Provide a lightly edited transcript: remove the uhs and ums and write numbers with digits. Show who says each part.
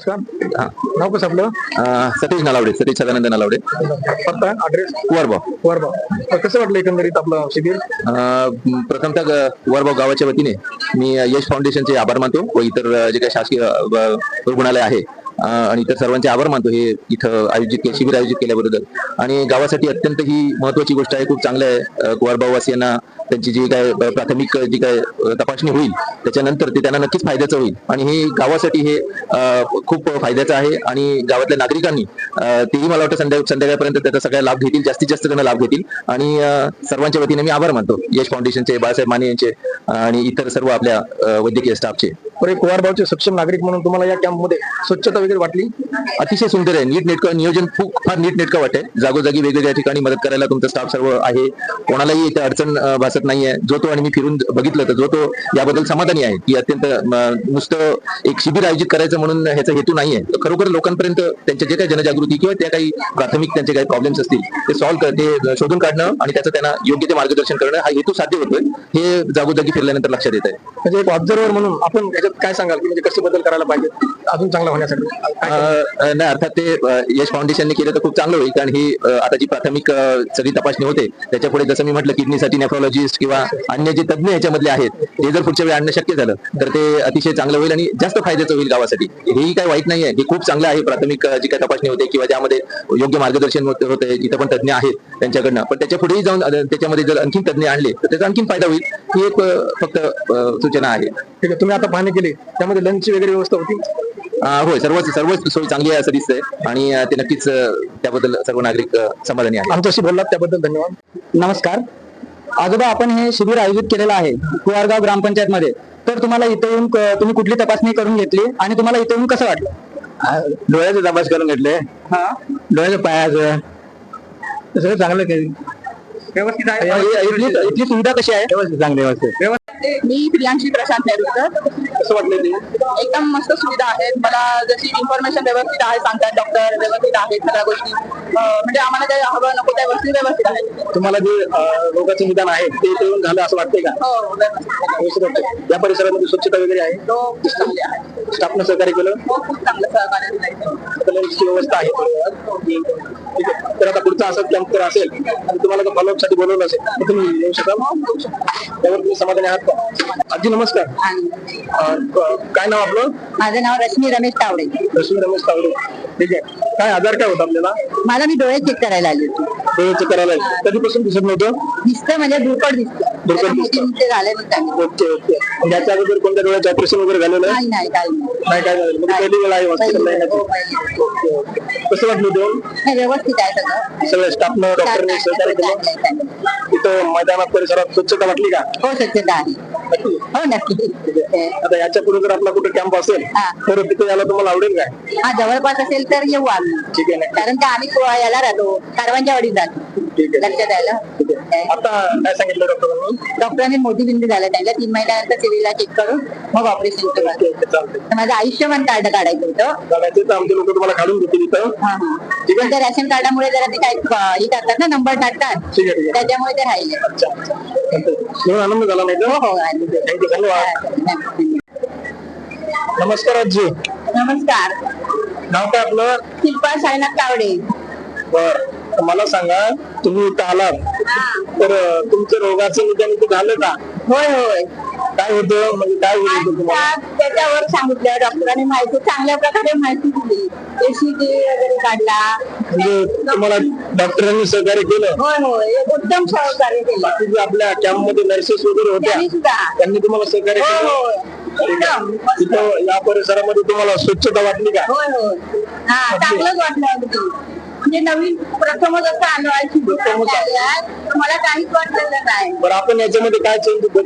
Speaker 1: नमस्कार.
Speaker 2: हा.
Speaker 1: नाव कसं आपलं?
Speaker 2: सतीश नलावडे, सतीश सदानंद नलावडे.
Speaker 1: पत्ता ऍड्रेस?
Speaker 2: वरबाव.
Speaker 1: वरबाव. कसं वाटलं एकंदरीत आपलं शिबिर?
Speaker 2: प्रथमतः वरबाव गावाच्या वतीने मी यश फाउंडेशनचे आभार मानतो व इतर जे काही शासकीय रुग्णालय आहे आणि इतर सर्वांचे आभार मानतो हे इथं शिबिर आयोजित केल्याबद्दल. आणि गावासाठी अत्यंत ही महत्वाची गोष्ट आहे. खूप चांगलं आहे. वरबाववासियांना त्यांची जी काय प्राथमिक जी काय तपासणी होईल त्याच्यानंतर ते त्यांना नक्कीच फायद्याचं होईल आणि हे गावासाठी हे खूप फायद्याचं आहे. आणि गावातल्या नागरिकांनी तेही मला वाटतं संध्याकाळपर्यंत त्याचा सगळा लाभ घेतील, जास्तीत जास्त जण लाभ घेतील. आणि सर्वांच्या वतीने मी आभार मानतो यश फाउंडेशनचे, बाळासाहेब माने यांचे आणि इतर सर्व आपल्या वैद्यकीय स्टाफचे.
Speaker 1: एक वरबावचे सक्षम नागरिक म्हणून तुम्हाला या कॅम्पमध्ये स्वच्छता वगैरे वाटली?
Speaker 2: अतिशय सुंदर आहे. नीटनेटकं नियोजन फार नीटनेटकं वाटतंय. जागोजागी वेगवेगळ्या ठिकाणी मदत करायला तुमचा स्टाफ सर्व आहे. कोणालाही इथे अडचण भासत नाहीये. जो तो, आणि मी फिरून बघितलं तर जो तो याबद्दल समाधानी आहे की अत्यंत नुसतं एक शिबिर आयोजित करायचं म्हणून ह्याचा हेतू नाहीये. खरोखर लोकांपर्यंत त्यांच्या जे काही जनजागृती किंवा त्या काही प्राथमिक त्यांचे काही प्रॉब्लेम्स असतील ते ते शोधून काढणं आणि त्याचं त्यांना योग्य ते मार्गदर्शन करणं हा हेतू साध्य होतोय हे जागोजागी फिरल्यानंतर लक्षात येत आहे.
Speaker 1: म्हणजे एक ऑब्झर्वर म्हणून आपण याच्यात काय सांगाल की म्हणजे कसे बदल करायला पाहिजे अजून चांगला होण्यासाठी?
Speaker 2: नाही, अर्थात ते यश फाउंडेशनने केलं तर खूप चांगलं होईल. कारण ही आता जी प्राथमिक सगळी तपासणी होते त्याच्या पुढे जसं मी म्हटलं किडनीसाठी नेफ्रोलॉजिस्ट किंवा अन्य जे तज्ञ याच्यामधले आहेत ते जर पुढच्या वेळी आणणं शक्य झालं तर ते अतिशय चांगलं होईल आणि जास्त फायद्याचं होईल गावासाठी. हेही काही वाईट नाहीये. हे खूप चांगलं आहे. प्राथमिक जी काही तपासणी होते किंवा ज्यामध्ये योग्य मार्गदर्शन होते इथं पण तज्ञ आहेत त्यांच्याकडनं, पण त्याच्या पुढेही जाऊन त्याच्यामध्ये जर आणखीन तज्ञ आणले तर त्याचा आणखीन फायदा होईल. ही एक फक्त सूचना आहे.
Speaker 1: ठीक आहे. तुम्ही आता पाहणी केली त्यामध्ये लंचची वगैरे व्यवस्था होती?
Speaker 2: होय, सर्वच सोय चांगली आहे असं दिसतंय आणि ते नक्कीच त्याबद्दल सर्व नागरिक समाधानी आहेत.
Speaker 1: आमच्याशी बोललात त्याबद्दल धन्यवाद.
Speaker 3: नमस्कार आजोबा, आपण हे शिबिर आयोजित केलेलं आहे कुवारगाव ग्रामपंचायत मध्ये. तर तुम्हाला इथे येऊन तुम्ही कुठली तपासणी करून घेतली आणि तुम्हाला इथे येऊन कसं वाटलं?
Speaker 1: डोळ्याचे तपास करून घेतले. डोळ्याच्या पायाचं सगळं चांगलं केलं.
Speaker 3: व्यवस्थित आहे. इथली सुविधा कशी आहे?
Speaker 1: व्यवस्थित, चांगली व्यवस्थित.
Speaker 4: मी प्रियांशी प्रशांत नेरुरकर.
Speaker 1: कसं वाटलं ते?
Speaker 4: एकदम मस्त सुविधा आहेत. मला जशी इन्फॉर्मेशन व्यवस्थित आहे, सांगतात डॉक्टर व्यवस्थित आहेत, सगळ्या गोष्टी म्हणजे आम्हाला काही हवं नको त्या गोष्टी व्यवस्थित आहेत.
Speaker 1: तुम्हाला जे रोगाचं निदान आहे ते इथे येऊन झालं असं वाटतंय का?
Speaker 4: हो, व्यवस्थित
Speaker 1: वाटतंय. या परिसरामध्ये स्वच्छता वगैरे आहे?
Speaker 4: तो खूप चांगली आहे.
Speaker 1: स्टाफनं सहकार्य केलं?
Speaker 4: हो, खूप चांगलं सहकार्य दिलं.
Speaker 1: लंचची व्यवस्था आहे? ठीक आहे. तर आता पुढचा असं कॅम्प जर असेल आणि तुम्हाला जर फॉलोअप साठी बोलवलं असेल तर तुम्ही येऊ शकाल? त्यावर तुम्ही समाधानी आहात का? आजी नमस्कार. काय नाव आपलं?
Speaker 4: माझं नाव रश्मी रमेश तावडे.
Speaker 1: रश्मी रमेश तावडे. ठीक आहे. काय आजार काय होता आपल्याला?
Speaker 4: मला मी डोळे चेक करायला आली होती.
Speaker 1: डोळे चेक करायला कधीपासून दिसत नव्हतं?
Speaker 4: दिसतं म्हणजे धुरकट दिसतं.
Speaker 1: धुरकट दिसतं.
Speaker 4: ते झाले म्हणतात.
Speaker 1: Okay okay. याच्या अगोदर कोणत्या डोळ्याचं ऑपरेशन वगैरे झालेलं आहे?
Speaker 4: नाही काही नाही.
Speaker 1: नाही, काय झालं? म्हणजे पहिली वेळ आहे हॉस्पिटलला येण्याची?
Speaker 4: हो, पहिली.
Speaker 1: Okay okay. कसं वाटलं देऊन?
Speaker 4: नाही, व्यवस्थित आहे सगळं.
Speaker 1: सगळ्या स्टाफनं डॉक्टरने सहकार्य केलं? इथं मैदानात परिसरात स्वच्छता वाटली का?
Speaker 4: हो, स्वच्छता आहे. हो, नक्की.
Speaker 1: आता याच्या पुढे जर आपला कुठे कॅम्प असेल तर तिथे यायला तुम्हाला आवडेल काय?
Speaker 4: हा, जवळपास असेल तर येऊ आम्ही.
Speaker 1: ठीक आहे ना.
Speaker 4: कारण का आम्ही याला राहतो, कारवांच्या वाडीत राहतो.
Speaker 1: ठीक आहे.
Speaker 4: लक्षात आलं.
Speaker 1: आता काय सांगितलं डॉक्टरांनी?
Speaker 4: डॉक्टरांनी मोतीबिंदू झाला त्यांना 3 महिन्यानंतर सिव्हिलला चेक करून मग ऑपरेशन केलं.
Speaker 1: चालतंय.
Speaker 4: तर माझं आयुष्यमान कार्ड काढायचं होतं.
Speaker 1: काढायचे तर आमचे लोक तुम्हाला काढून देतील इथं. ठीक आहे.
Speaker 4: त्या रेशन कार्डामुळे जरा ते काय हे टाकतात ना, नंबर टाकतात,
Speaker 1: ठीक आहे, ठीक आहे.
Speaker 4: त्याच्यामुळे ते राहिले.
Speaker 1: अच्छा अच्छा. चालतंय. म्हणून आनंद झाला नाही
Speaker 4: हो
Speaker 1: तर?
Speaker 4: हो.
Speaker 1: थँक्यू, धन्यवाद. नमस्कार आजी.
Speaker 4: नमस्कार.
Speaker 1: नाव काय आपलं?
Speaker 4: शिल्पा साईनाथ तावडे.
Speaker 1: बर. मला सांगा, तुम्ही इथं आलात तर तुमचं रोगाचं निदान इथं झालं का?
Speaker 4: होय होय.
Speaker 1: काय होतं, म्हणजे काय होत होतं तुम्हाला?
Speaker 4: त्याच्यावर सांगितलं डॉक्टरांनी, माहिती चांगल्या प्रकारे माहिती दिली. एसीटी वगैरे काढला.
Speaker 1: म्हणजे तुम्हाला डॉक्टरांनी सहकार्य केलं?
Speaker 4: होय होय, उत्तम सहकार्य केलं.
Speaker 1: बाकी जे आपल्या कॅम्प मध्ये नर्सेस वगैरे होत्या
Speaker 4: त्यांनी सुद्धा.
Speaker 1: त्यांनी तुम्हाला सहकार्य
Speaker 4: होय
Speaker 1: केलं?
Speaker 4: होय.
Speaker 1: ठीक आहे.
Speaker 4: एकदम.
Speaker 1: तिथं या परिसरामध्ये तुम्हाला स्वच्छता वाटली का?
Speaker 4: होय होय. हा, चांगलंच वाटलं अगदी. म्हणजे नवीन प्रथमच असं आलो आहे, मला काहीच वाटलेलं नाही.
Speaker 1: बरं, आपण याच्यामध्ये काय चेंज